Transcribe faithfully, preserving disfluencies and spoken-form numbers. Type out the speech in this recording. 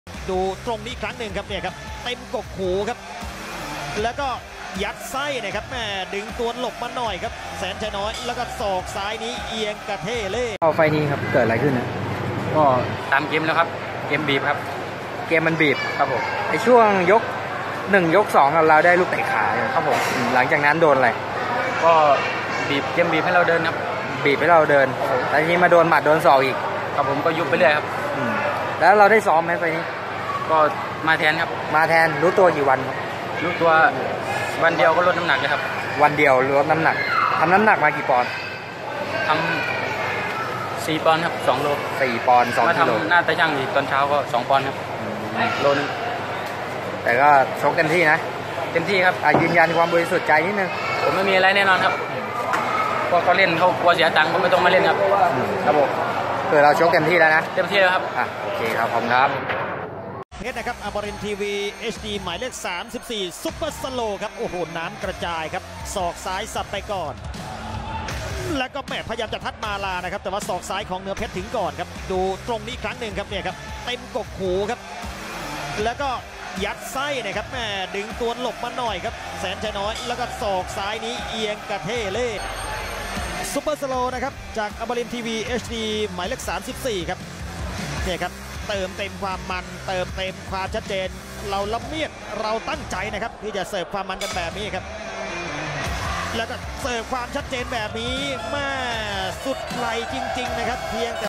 ดูตรงนี้ครั้งหนึ่งครับเนี่ยครับเต็มกกหูครับแล้วก็ยัดไส้นะครับแม่ดึงตัวหลบมาหน่อยครับแสนชัยน้อยแล้วก็ศอกซ้ายนี้เอียงกระเทเล่เอาไฟนี้ครับเกิดอะไรขึ้นนะก็ตามเกมแล้วครับเกมบีบครับเกมมันบีบครับผมในช่วงยกหนึ่งยกสองเราได้ลูกเตะขาครับผมหลังจากนั้นโดนอะไรก็บีบเกมบีบให้เราเดินครับบีบให้เราเดินแต่ทีนี้มาโดนหมัดโดนศอกอีกครับผมก็ยุบไปเรื่อยครับแล้วเราได้ซ้อมไหมไฟนี้ก็มาแทนครับมาแทนรู้ตัวกี่วันครับรู้ตัววันเดียวก็ลดน้ำหนักเลยครับวันเดียวลดน้ำหนักทำน้ำหนักมากี่ปอนด์ทำสี่ปอนด์ครับสองโลสี่ปอนด์สองกิโลมาทำหน้าตาช่างอีกตอนเช้าก็สองปอนด์ครับโลนึงแต่ก็ชกเต็มที่นะเต็มที่ครับยืนยันความบริสุทธิ์ใจนิดนึงผมไม่มีอะไรแน่นอนครับพอเขาเล่นเขากลัวเสียตังค์ก็ไม่ต้องมาเล่นครับครับผมคือเราชกเต็มที่แล้วนะเต็มที่แล้วครับอ่ะโอเคครับขอบคุณครับเพชรนะครับอมรินทร์ทีวี เอช ดี หมายเลขสามสิบสี่ซุปเปอร์สโลครับโอ้โหน้ำกระจายครับศอกซ้ายสับไปก่อนแล้วก็แม่พยายามจะทัดมาลานะครับแต่ว่าศอกซ้ายของเนื้อเพชรถึงก่อนครับดูตรงนี้ครั้งหนึ่งครับเนี่ยครับเต็มกกหูครับแล้วก็ยัดไส้นะครับแม่ดึงตัวหลบมาหน่อยครับแสนชัยน้อยแล้วก็ศอกซ้ายนี้เอียงกระเทเล่ซุปเปอร์สโลนะครับจากอมรินทร์ทีวี เอช ดี หมายเลขสามสิบสี่ครับเนี่ยครับเติมเต็มความมันเติมเต็มความชัดเจนเราละเมียดเราตั้งใจนะครับที่จะเสิร์ฟความมันกันแบบนี้ครับแล้วก็เสิร์ฟความชัดเจนแบบนี้แม่สุดไหลจริงๆนะครับเพียงแต่